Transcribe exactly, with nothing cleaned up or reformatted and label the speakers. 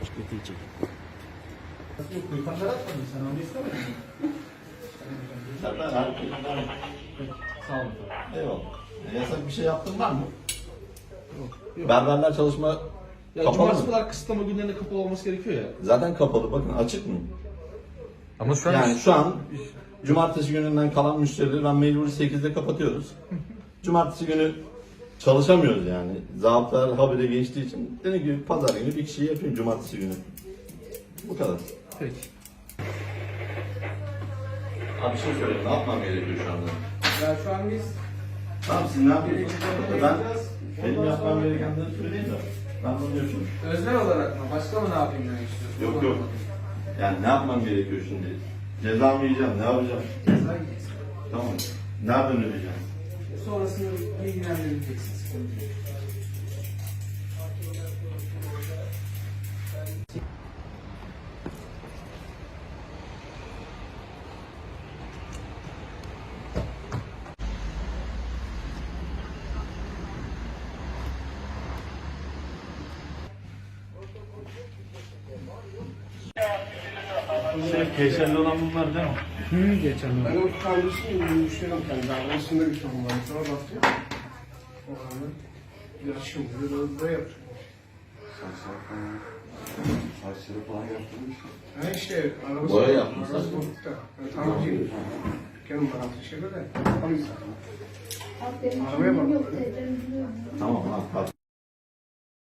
Speaker 1: Ötecek.
Speaker 2: Kuyukanlar atmadın sen onu istemedin mi?
Speaker 3: Zaten her
Speaker 2: Sağ olun.
Speaker 3: Eyvallah. E, yasak bir şey yaptın var mı?
Speaker 2: Yok. Yok.
Speaker 3: Berberler çalışma
Speaker 2: Ya
Speaker 3: kapalı
Speaker 2: cumartesi
Speaker 3: mı?
Speaker 2: kadar kısıtlama günlerinde kapalı olması gerekiyor ya.
Speaker 3: Zaten kapalı. Bakın açık mı?
Speaker 1: Ama şu an
Speaker 3: Yani şu an cumartesi gününden kalan müşterileri ben mecburi sekizde kapatıyoruz. Cumartesi günü çalışamıyoruz yani. Zabıtalar habire geçtiği için. Dediğim gibi pazar günü bir kişiyi yapayım cumartesi günü. Bu kadar.
Speaker 2: Peki.
Speaker 3: Abi bir şey söyleyeyim. Ne yapmam gerekiyor şu anda?
Speaker 2: Ya şu an biz
Speaker 3: Tamam siz ne yapıyorsunuz? Ben benim yapmam gerekenleri söyleyeyim de. Ben bunu yapıyorum.
Speaker 2: öznel olarak mı? Başka mı ne yapayım demek istiyorsun?
Speaker 3: Yok yok. Yani ne yapmam gerekiyor şimdi? Ceza mı yiyeceğim? Ne yapacağım?
Speaker 2: Ceza yiyeceksin.
Speaker 3: Tamam. Nereden ödeyeceğim?
Speaker 2: Sonrasında bilgilendireceksin. Sıkıntı yok.
Speaker 1: şey, keşerli olan bunlar değil mi?
Speaker 2: Hı, geçen
Speaker 4: Ben o kardeşim düşünüyorum kendi arasında bir sorun var. Sonra baktım. O anda yaşım burada da yapıyor.
Speaker 5: Saçları falan yaptırmış.
Speaker 4: Ha işte arabası.
Speaker 3: Boya yapmışlar.
Speaker 4: Arabası bozuk da. Ben tam değil. Dükkanın bana şeyde de. Yapamayız zaten. Arabaya bak.
Speaker 3: Tamam ha. Hadi.